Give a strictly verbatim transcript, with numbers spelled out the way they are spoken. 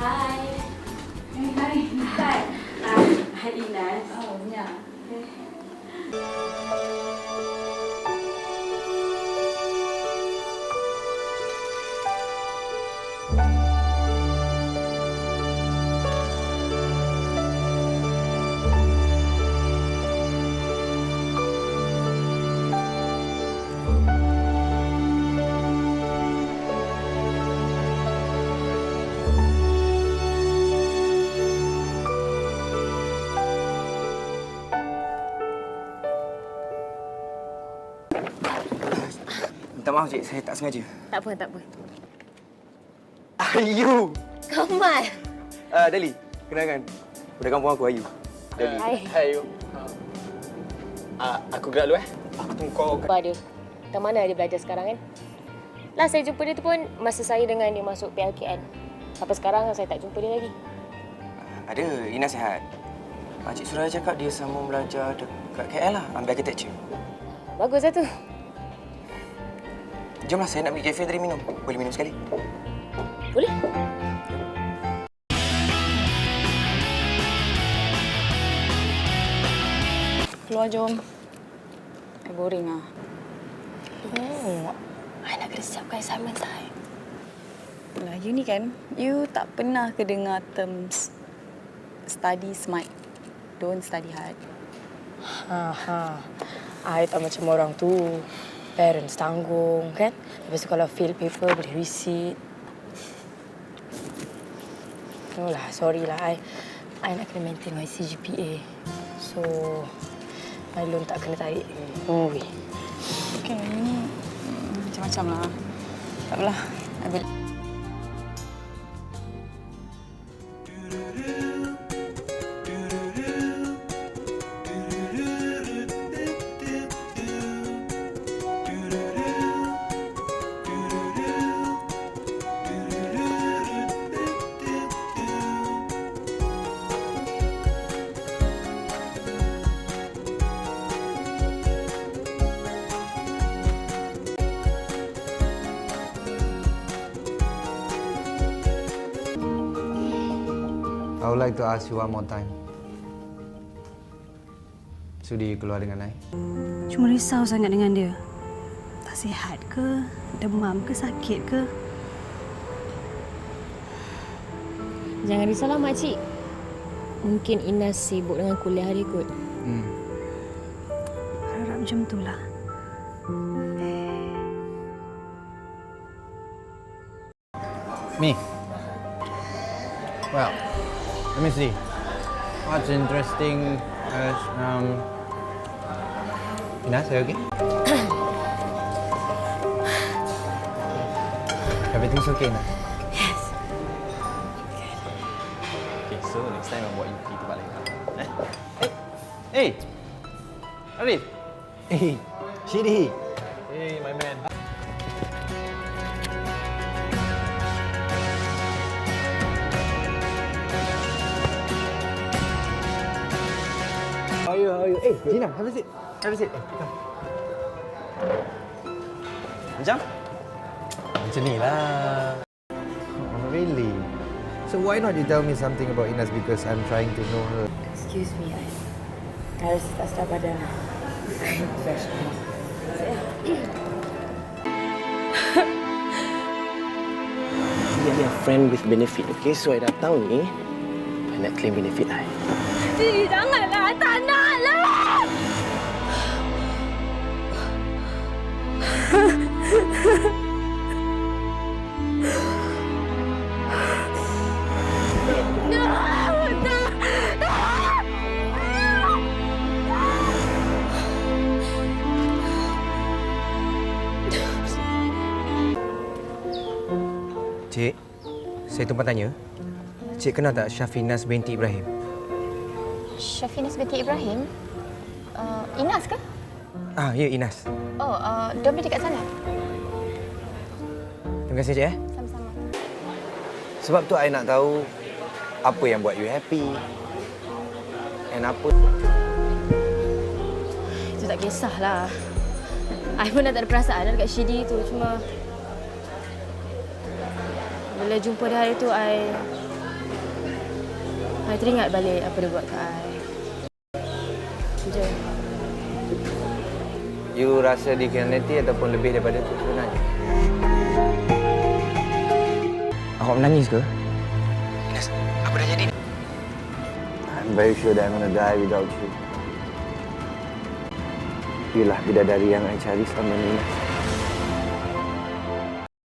Hai. Hai, hai. Hai. Hai Inas. Oh, ya. Minta maaf, Cik. Saya tak sengaja. Tak apa, tak apa. Ayu! Kamal! Uh, Dali, kenalkan. Budak kampung aku, Ayu. Dali. Hai. Hai, Ayu. Uh, aku gerak dulu, eh. Aku tunggu kau. Lupa dia. Tak mana dia belajar sekarang, kan? Last saya jumpa dia tu pun masa saya dengan dia masuk P L K N. Sampai sekarang saya tak jumpa dia lagi. Ada, Ina sihat. Makcik Suraya cakap dia sama belajar dekat K L lah, ambil architecture. Bagus lah tu. Jomlah, saya nak pergi kafe tadi minum. Boleh minum sekali? Boleh? Keluar jom. I boring ah. Oh, I nak kena siapkan assignment saya. Lah, you ni kan, you tak pernah kedengar terms study smart, don't study hard. Ha ha. I tak macam orang tu. Parents tanggung, kan? Lepas tu kalau fail paper boleh resit. No lah, sorry lah. I, I nak kena maintain my C G P A. So, my loan tak kena tarik. Oh, weh. Okay, ni hmm, macam-macam lah. Tak apalah, I boleh. I would like to ask you one more time. Sudi keluar dengan I? Cuma risau sangat dengan dia. Tak sihat ke? Demam ke? Sakit ke? Jangan risaulah, makcik. Mungkin Inas sibuk dengan kuliah dia kot. Hmm. Harap macam itulah. Me? Well, let me see. What's interesting is, um... Inas, are you okay? Everything's okay now? Yes. Okay, so next time I'll buat you pergi tempat lain. Eh? Hey! Hey! Arif! Hey! Shidi! Hey, my man. How are you? How are you? Hey, Gina, have a seat. Have a seat. Hey, come. Macam? Macam ni lah. Oh, really? So why not you tell me something about Inas because I'm trying to know her. Excuse me, I, I rasa tak sedap badan. Dia ni friend with benefit, okay? So, I datang ni, I nak claim benefit I. Jadi janganlah, tak naklah! Cik, saya tumpang tanya. Cik kenal tak Syafinas binti Ibrahim? Syafinas binti Ibrahim? Uh, Inas ke? Ah, ya, Inas. Oh, uh, dia beli dekat sana. Terima kasih, Cik. Eh? Sama-sama. Sebab tu I nak tahu apa yang buat you happy. And apa... Itu tak kisahlah. I pun dah tak ada perasaan dekat Shidi tu. Cuma... bila jumpa dia hari tu, I I teringat balik apa dia buat kat I. Je. You rasa dikhianati ataupun lebih daripada itu sebenarnya? Awak menangis ke? Ines, apa dah jadi? I'm very sure that I'm gonna die without you. Youlah bidadari yang I cari selama ni, Ines.